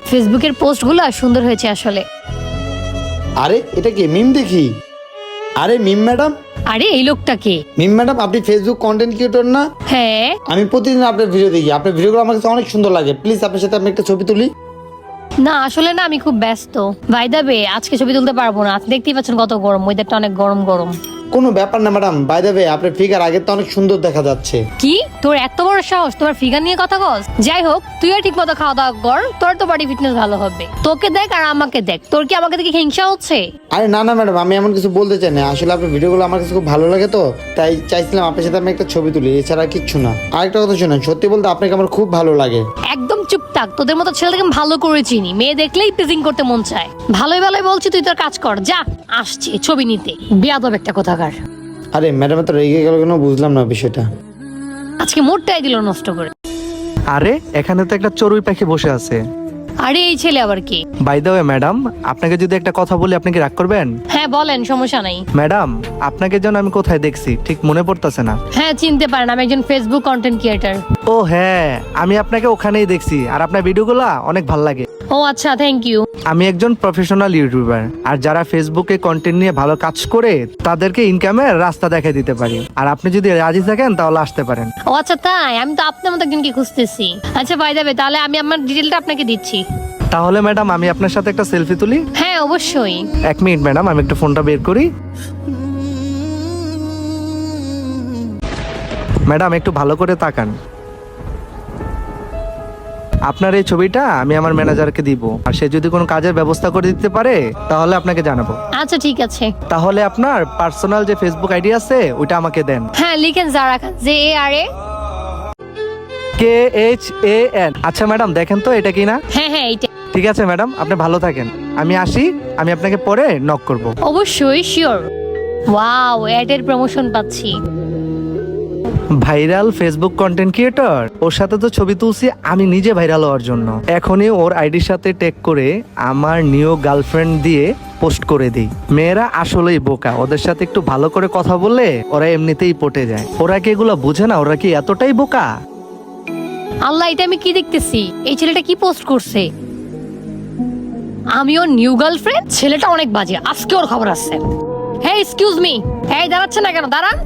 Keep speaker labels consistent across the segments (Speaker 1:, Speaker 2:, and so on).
Speaker 1: ফেসবুকের পোস্টগুলো সুন্দর হয়েছে আসলে।
Speaker 2: আরে এটা কি মিম দেখি? আরে মিম ম্যাডাম,
Speaker 1: আরে এই লোকটাকে।
Speaker 2: মিম ম্যাডাম আপনি ফেসবুক কন্টেন্ট ক্রিয়েটর না?
Speaker 1: হ্যাঁ।
Speaker 2: আমি প্রতিদিন আপনার ভিডিও দেখি, আপনার ভিডিওগুলো আমার কাছে অনেক সুন্দর লাগে। প্লিজ আপনার সাথে আমি একটা ছবি তুলি।
Speaker 1: না আসলে না, আমি খুব ব্যস্ত। ভাই দাবে আজকে ছবি তুলতে পারবো না। আপনি দেখতেই পাচ্ছেন কত গরম, ওয়েদারটা অনেক গরম গরম।
Speaker 2: কোনো ব্যাপার না ম্যাডাম, বাই দ্য ওয়ে আপনার ফিগার আগের তো অনেক সুন্দর দেখা যাচ্ছে।
Speaker 1: কি তোর এত বড় সাহস তোমার ফিগার নিয়ে কথা কস? যাই হোক, তুইও ঠিক মতো খাওয়া দাওয়া কর, তোর তো বডি ফিটনেস ভালো হবে। তোকে দেখ আর আমাকে দেখ, তোর কি আমাকে দেখে হিংসা হচ্ছে?
Speaker 2: আরে না না ম্যাডাম, আমি এমন কিছু বলতে চাই না। আসলে আপনার ভিডিওগুলো আমার কাছে খুব ভালো লাগে, তো তাই চাইছিলাম আপনার সাথে আমি একটা ছবি তুলি, এছাড়া কিচ্ছু না। আরেকটা কথা শুনেন, সত্যি বলতে আপনাকে আমার খুব ভালো লাগে।
Speaker 1: একদম চুপ থাক, তোদের মতো ছেলেটাকে আমি ভালো করে চিনি। মেয়ে দেখলেই প্রেজিং করতে মন চায়। ভালোই ভালোই বলছি, তুই তোর কাজ কর যা। আসছে ছবি নিতে, বেয়াদব একটা কোথাকার।
Speaker 2: আরে ম্যাডাম তো রেগে গেল কেন বুঝলাম না বিষয়টা।
Speaker 1: আজকে মোটটাই দিল নষ্ট করে।
Speaker 3: আরে এখানে তো একটা চড়ুই পাখি বসে আছে।
Speaker 1: আরে এই ছেলে আবার কি?
Speaker 3: বাই দ্য ওয়ে ম্যাডাম, আপনাকে যদি একটা কথা বলি আপনি কি রাগ করবেন?
Speaker 1: হ্যাঁ বলেন, সমস্যা নাই।
Speaker 3: ম্যাডাম, আপনাকে যেন আমি কোথায় দেখছি ঠিক মনে পড়তেছে না।
Speaker 1: হ্যাঁ চিনতে পারেন, আমি একজন ফেসবুক কন্টেন্ট ক্রিয়েটর।
Speaker 3: ও হ্যাঁ, আমি আপনাকে ওখানেই দেখছি আর আপনার ভিডিওগুলো অনেক ভালো লাগে।
Speaker 1: ও আচ্ছা, থ্যাংক ইউ।
Speaker 3: আমি একজন প্রফেশনাল ইউটিউবার, আর যারা ফেসবুকে কন্টেন্ট নিয়ে ভালো কাজ করে তাদেরকে ইনকামের রাস্তা দেখাই দিতে পারি। আর আপনি যদি রাজি থাকেন তাহলে আসতে পারেন।
Speaker 1: ও আচ্ছা তাই, আমি তো আপনার মতো একজনকে খুঁজতেছি। আচ্ছা ভাই যাবে, তাহলে আমি আমার ডিটেলটা আপনাকে দিচ্ছি।
Speaker 3: তাহলে ম্যাডাম আমি আপনার সাথে একটা সেলফি তুলি।
Speaker 1: হ্যাঁ অবশ্যই।
Speaker 3: 1 মিনিট ম্যাডাম, আমি একটু ফোনটা বের করি। ম্যাডাম একটু ভালো করে তাকান। আপনার এই ছবিটা আমি আমার ম্যানেজারকে দিব, আর সে যদি কোনো কাজের ব্যবস্থা করে দিতে পারে তাহলে আপনাকে জানাবো।
Speaker 1: আচ্ছা ঠিক আছে।
Speaker 3: তাহলে আপনার পার্সোনাল যে ফেসবুক আইডি আছে ওইটা আমাকে দেন।
Speaker 1: হ্যাঁ লিখেন যারা JARA।
Speaker 3: KHAN। আচ্ছা ম্যাডাম দেখেন তো এটা কি না।
Speaker 1: হ্যাঁ হ্যাঁ এইটা।
Speaker 3: ঠিক আছে ম্যাডাম, আপনি ভালো থাকেন, আমি আসি। আমি আপনাকে পরে নক করব।
Speaker 1: অবশ্যই শিওর। ওয়াও, অ্যাডের প্রমোশন পাচ্ছি।
Speaker 3: ভাইরাল ফেসবুক কন্টেন্ট ক্রিয়েটর, ওর সাথে তো ছবি তুলছি আমি নিজে ভাইরাল হওয়ার জন্য। এখনই ওর আইডির সাথে ট্যাগ করে আমার নিউ গার্লফ্রেন্ড দিয়ে পোস্ট করে দিই। মেয়েরা আসলেই বোকা, ওদের সাথে একটু ভালো করে কথা বললে ওরা এমনিতেই পটে যায়। ওরা কি এগুলো বুঝে না? ওরা কি এতটাই বোকা?
Speaker 1: আল্লাহ, এটা আমি কি দেখতেছি? এই ছেলেটা কি পোস্ট করছে? আমি ওর নিউ গার্লফ্রেন্ড? ছেলেটা অনেক বাজে, আজকে ওর খবর আছে। হ্যাঁ এক্সকিউজ মি, এই দাঁড়াচ্ছে না কেন? দাঁড়ান।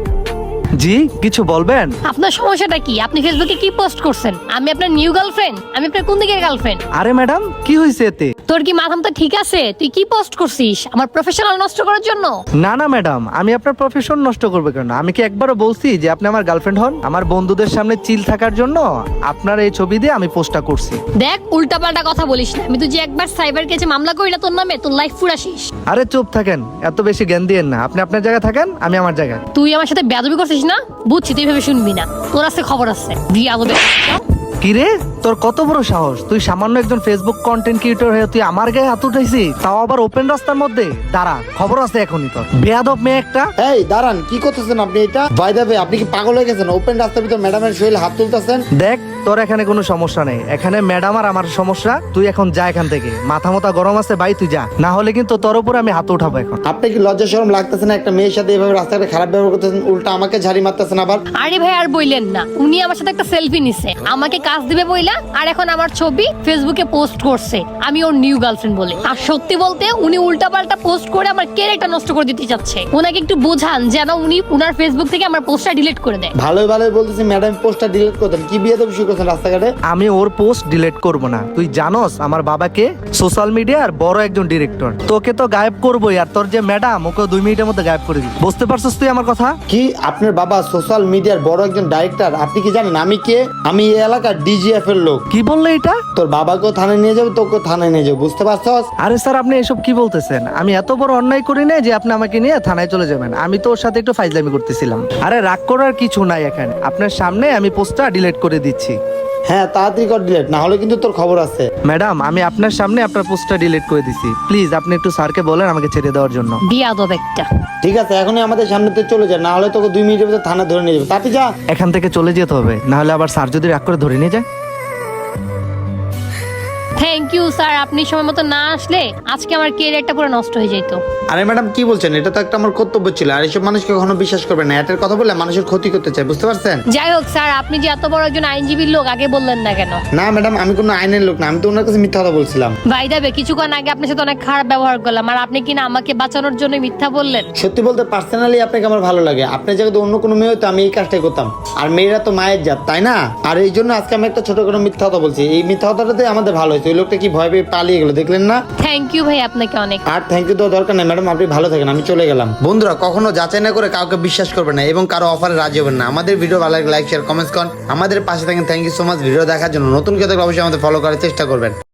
Speaker 3: জি কিছু বলবেন?
Speaker 1: আপনার সমস্যাটা কি? আপনি ফেসবুকে কি পোস্ট করছেন? আমি আপনার নিউ গার্লফ্রেন্ড? আমি আপনার কোন দিকের গার্লফ্রেন্ড?
Speaker 3: আরে ম্যাডাম কি হয়েছে এতে?
Speaker 1: তোর কি মাথাম তো ঠিক আছে? তুই কি পোস্ট করছিস আমার প্রফেশনাল নষ্ট করার জন্য?
Speaker 3: না না ম্যাডাম, আমি আপনার প্রফেশন নষ্ট করবো কেন? আমি কি একবারও বলছি যে আপনি আমার গার্লফ্রেন্ড হন? আমার বন্ধুদের সামনে চিল থাকার জন্য আপনার এই ছবি দিয়ে আমি পোস্টটা করছি।
Speaker 1: দেখ উল্টাপাল্টা কথা বলিস না। আমি তুই যে একবার সাইবার কেসে মামলা করি না তোর নামে, তোর লাইফ ফুরাসিস।
Speaker 3: আরে চুপ থাকেন, এত বেশি জ্ঞান দিয়েন না। আপনি আপনার জায়গায় থাকেন, আমি আমার জায়গায়।
Speaker 1: তুই আমার সাথে বেয়াদবি করছিস না? বুঝছি, তুই ভেবে শুনবি না। তোর আছে খবর আছে। বিয়াদবে।
Speaker 3: কিরে, তোর কত বড় সাহস? তুই সামান্য একজন ফেসবুক কন্টেন্ট ক্রিয়েটর হয়ে তুই আমার গায়ে হাত উঠাইছিস, তাও আবার ওপেন রাস্তার মধ্যে। দাঁড়া, খবর আছে এখনই তোর। বেয়াদব মেয়ে একটা।
Speaker 2: এই দাঁড়ান, কি করতেছেন আপনি? এটা বাই দ্য ওয়ে আপনি কি পাগল হয়ে গেছেন? ওপেন রাস্তার ভিতর ম্যাডামের শরীরে হাত তুলতেছেন।
Speaker 3: দেখ, তোর এখানে কোনো সমস্যা নেই, এখানে ম্যাডাম আর আমার সমস্যা। তুই এখন যা এখান থেকে, মাথা মতা গরম আছে ভাই, তুই যা, না হলে কিন্তু তোর উপরে আমি হাত উঠাবো এখন।
Speaker 2: আপনি কি লজ্জা শরম লাগতেছে না? একটা মেয়ের সাথে এভাবে রাস্তাঘাটে খারাপ ব্যবহার করতেছেন, উল্টা আমাকে ঝাড়ি মারতেছেন আবার।
Speaker 1: আরে ভাই আর বইলেন না, উনি আমার সাথে একটা সেলফি নিছে, আমাকে কাজ দিবে বইলা, আর এখন আমার ছবি ফেসবুকে পোস্ট করছে আমি ওর নিউ গার্লফ্রেন্ড বলে। আর সত্যি বলতে উনি উল্টাপাল্টা পোস্ট করে আমার ক্যারেক্টার নষ্ট করে দিতে চাচ্ছে। ওনাকে একটু বোঝান যেন উনি উনার ফেসবুক থেকে আমার পোস্টটা ডিলিট করে দেয়।
Speaker 2: ভালোই ভালোই বলতেছি ম্যাডাম পোস্টটা ডিলিট করতেন। কি বিয়ে দেবো শুরু করছেন রাস্তাঘাটে?
Speaker 3: আমি ওর পোস্ট ডিলিট করব না। তুই জানোস আমার বাবাকে সোশ্যাল মিডিয়ার বড় একজন ডিরেক্টর। তোকে তো গায়েব করবোই, আর তোর যে ম্যাডাম ওকে 2 মিনিটের মধ্যে গায়েব করে দিবি। বুঝতে পারছিস তুই আমার কথা?
Speaker 2: কি আপনার বাবা সোশ্যাল মিডিয়ার বড় একজন ডাইরেক্টর? আপনি কি জানেন আমি কে? আমি এই এলাকার DGF এর লোক।
Speaker 3: কি বললে এটা?
Speaker 2: তোর বাবাকেও থানায় নিয়ে যাবো, তোকেও থানায় নিয়ে যাবো, বুঝতে পারছস?
Speaker 3: আরে স্যার, আপনি এসব কি বলতেছেন? আমি এত বড় অন্যায় করি না যে আপনি আমাকে নিয়ে থানায় চলে যাবেন। আমি তো ওর সাথে একটু ফাইজলামি করতেছিলাম। আরে রাগ করার কিছু নাই এখানে। আপনার সামনে আমি পোস্টটা ডিলিট করে দিচ্ছি।
Speaker 2: হ্যাঁ তাড়াতাড়ি কর ডিলিট, না হলে কিন্তু তোর খবর আছে।
Speaker 3: ম্যাডাম, আমি আপনার সামনে আপনার পোস্টটা ডিলিট করে দিছি। প্লিজ আপনি একটু স্যারকে বলেন আমাকে ছেড়ে দেওয়ার জন্য।
Speaker 1: বিয়াদব একটা।
Speaker 2: ঠিক আছে, এখনই আমাদের সামনে থেকে চলে যায়, না হলে তোকে 2 মিনিটের ভিতরে থানা ধরে নিয়ে যাবে। তাড়াতাড়ি যা।
Speaker 3: এখান থেকে চলে যেতে হবে, না হলে আবার স্যার যদি রাগ করে ধরে নিয়ে যায়।
Speaker 1: থ্যাংক ইউ স্যার, আপনি সময় মতো না আসলে আজকে আমার ক্যারিয়ারটা পুরো নষ্ট হয়ে যেত।
Speaker 2: আরে ম্যাডাম কি বলছেন, এটা তো একটা আমার কর্তব্য ছিল। আর এইসব মানুষকে কখনো বিশ্বাস করবেন না, এটার কথা বলে মানুষের ক্ষতি করতে চায়, বুঝতে পারছেন?
Speaker 1: যাই হোক স্যার, আপনি যে এত বড় একজন আইনজীবীর লোক আগে বললেন না কেন?
Speaker 2: না ম্যাডাম, আমি কোনো আইনের লোক না, আমি তো ওনার কাছে মিথ্যা কথা বলছিলাম।
Speaker 1: ভাই দেবে কিছুক্ষণ আগে আপনার সাথে অনেক খারাপ ব্যবহার করলাম, আর আপনি কিনা আমাকে বাঁচানোর জন্য মিথ্যা বললেন।
Speaker 2: সত্যি বলতে পার্সোনালি আপনাকে আমার ভালো লাগে। আপনার জায়গায় অন্য কোনো মেয়ে হতো আমি এই কাজটাই করতাম। আর মেয়েরা তো মায়ের জাত, তাই না? আর এই জন্য আজকে আমি একটা ছোট কোনো মিথ্যা কথা বলছি। এই মিথ্যা কথাটাতে আমাদের ভালো হয়েছে। ওই লোকটা কি ভয় পেয়ে পালিয়ে গেল, দেখলেন না?
Speaker 1: থ্যাংক ইউ ভাই আপনাকে অনেক।
Speaker 2: আর থ্যাংক ইউ দেওয়ার দরকার নেই ম্যাডাম, আপনি ভালো থাকেন, আমি চলে গেলাম। বন্ধুরা, কখনো যাচাই না করে কাউকে বিশ্বাস করবেন না এবং কারো অফারে রাজি হবেন না। আমাদের ভিডিও ভালো লাগলে লাইক শেয়ার কমেন্টস করুন, আমাদের পাশে থাকেন। Thank you so much video দেখার জন্য। নতুন কেউ থাকলে অবশ্যই আমাদের ফলো করার চেষ্টা করবেন।